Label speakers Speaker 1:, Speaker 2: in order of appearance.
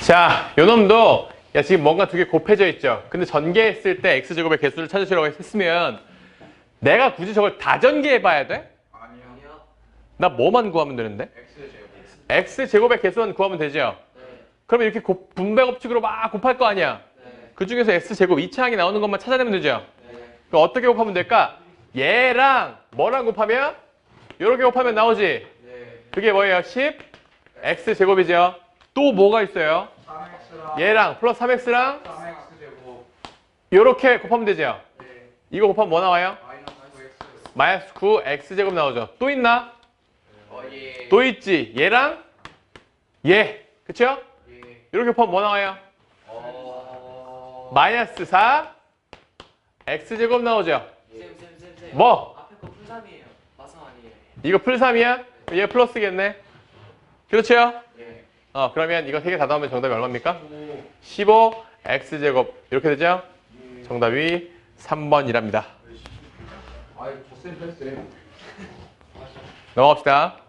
Speaker 1: 자, 요 놈도 야 지금 뭔가 두 개 곱해져 있죠. 근데 전개했을 때 x제곱의 개수를 찾으시라고 했으면 내가 굳이 저걸 다 전개해 봐야 돼?
Speaker 2: 아니요.
Speaker 1: 나 뭐만 구하면 되는데?
Speaker 2: X제곱.
Speaker 1: x제곱의 개수만 구하면 되죠?
Speaker 2: 네.
Speaker 1: 그러면 이렇게 분배 법칙으로 막 곱할 거 아니야?
Speaker 2: 네.
Speaker 1: 그 중에서 x제곱 2차항이 나오는 것만 찾아내면 되죠?
Speaker 2: 네.
Speaker 1: 그럼 어떻게 곱하면 될까? 얘랑 뭐랑 곱하면? 요렇게 곱하면 나오지?
Speaker 2: 네.
Speaker 1: 그게 뭐예요? 10 x제곱이죠? 또 뭐가 있어요?
Speaker 2: 3X랑
Speaker 1: 얘랑 플러스 3x랑
Speaker 2: 3X제곱.
Speaker 1: 요렇게 곱하면 되죠?
Speaker 2: 네.
Speaker 1: 이거 곱하면 뭐 나와요?
Speaker 2: 마이너스 9X.
Speaker 1: -9x제곱 나오죠? 또 있나?
Speaker 2: 예.
Speaker 1: 또 있지? 얘랑 얘, 그쵸?
Speaker 2: 예.
Speaker 1: 이렇게 곱하면 뭐 나와요? -4 x제곱 나오죠?
Speaker 2: 쌤.
Speaker 1: 뭐?
Speaker 2: 앞에 거 풀3이에요. 마성 아니에요.
Speaker 1: 이거 풀3이야? 얘 플러스겠네? 그렇죠?
Speaker 2: 예.
Speaker 1: 그러면 이거 3개 다 나오면 정답이 얼마입니까?
Speaker 2: 5.
Speaker 1: 15 x제곱 이렇게 되죠? 정답이 3번이랍니다.
Speaker 2: 아이, 저쌤 패스해.
Speaker 1: 넘어갑시다.